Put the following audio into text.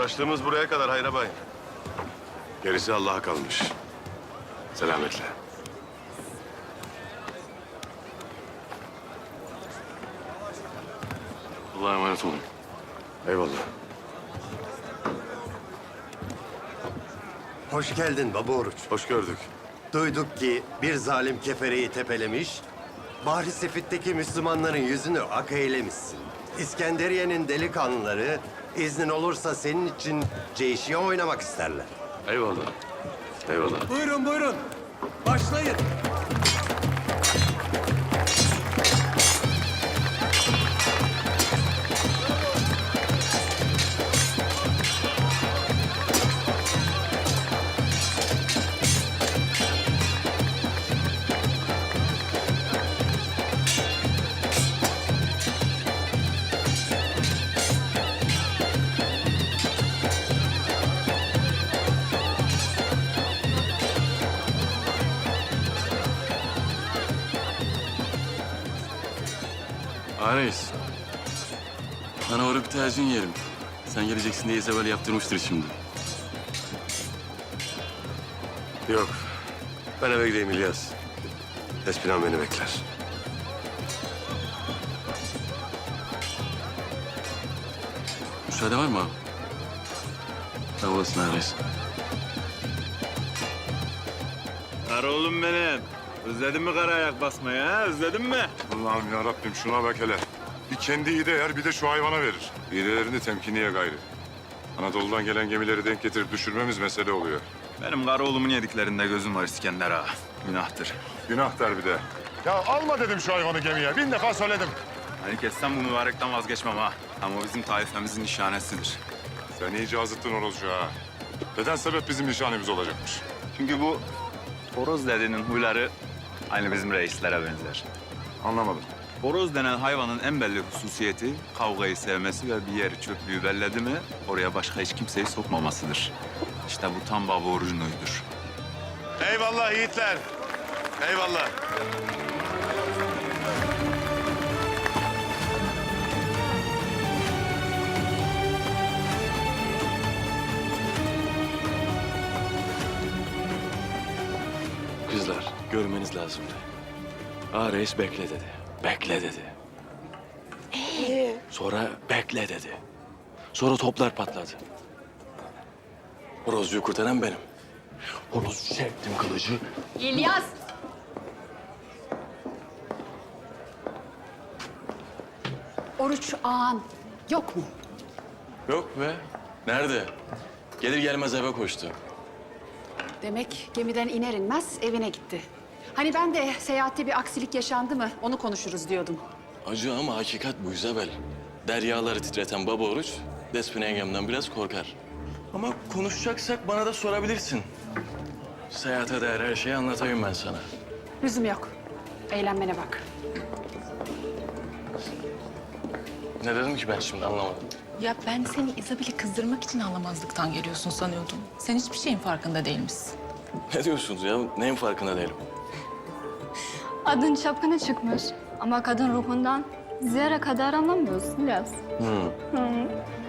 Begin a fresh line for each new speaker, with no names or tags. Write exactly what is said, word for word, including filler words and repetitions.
Uğraştığımız buraya kadar Hayrabay. Gerisi Allah'a kalmış. Selametle.
Allah'a emanet olun.
Eyvallah.
Hoş geldin Baba Oruç.
Hoş gördük.
Duyduk ki bir zalim kefereyi tepelemiş, Bahri Sefit'teki Müslümanların yüzünü ak eylemişsin. İskenderiye'nin delikanlıları iznin olursa senin için ceyşiye oynamak isterler.
Eyvallah. Eyvallah.
Buyurun buyurun. Başlayın.
Ha reis. Sana uğrayıp bir tazmin yerim. Sen geleceksin diye Isabel yaptırmıştır şimdi.
Yok. Ben eve gideyim İlyas. Espinan beni bekler.
Müsaade var mı abi? Sağ olasın ha reis.
Kara oğlum benim. Özledin mi kara ayak basmayı ha? Özledin mi?
Allah'ım ya Rabbim şuna bak hele. Bir kendi iyi de yer bir de şu hayvana verir. İğrelerini temkiniye gayrı. Anadolu'dan gelen gemileri denk getirip düşürmemiz mesele oluyor.
Benim kara oğlumun yediklerinde gözüm var İskender ağa. Günahtır.
Günah der bir de. Ya alma dedim şu hayvanı gemiye. Bin defa söyledim.
Hani kessem bu mübarekten vazgeçmem ha. Ama o bizim taifemizin nişanesidir.
Sen iyice azıttın horozu ha. Neden sebep bizim nişanemiz olacakmış?
Çünkü bu horoz dedenin huyları aynı bizim reislere benzer.
Anlamadım.
Horoz denen hayvanın en belli hususiyeti kavgayı sevmesi ve bir yeri çöplüğü belledi mi oraya başka hiç kimseyi sokmamasıdır. İşte bu tam baba orucunuydur.
Eyvallah yiğitler. Eyvallah.
Kızlar, görmeniz lazımdı. Ha reis bekle dedi. Bekle dedi. Sonra bekle dedi. Sonra toplar patladı. Horozcuyu kurtaran benim. Horozcu çektim kılıcı.
İlyas! Oruç ağan yok mu?
Yok be. Nerede? Gelir gelmez eve koştu.
Demek gemiden iner inmez evine gitti. Hani ben de seyahatte bir aksilik yaşandı mı onu konuşuruz diyordum.
Acı ama hakikat bu Isabel. Deryaları titreten baba oruç, Despina yengemden biraz korkar. Ama konuşacaksak bana da sorabilirsin. Seyahate değer her şeyi anlatayım ben sana.
Lüzum yok. Eğlenmene bak.
Ne dedim ki ben şimdi anlamadım.
Ya ben seni Isabel'i kızdırmak için anlamazlıktan geliyorsun sanıyordum. Sen hiçbir şeyin farkında değilmişsin.
Ne diyorsunuz ya? Neyin farkında değilim?
Adın çapkına çıkmış ama kadın ruhundan zerre kadar anlamıyorsun İlyas.
Hı.
Hı.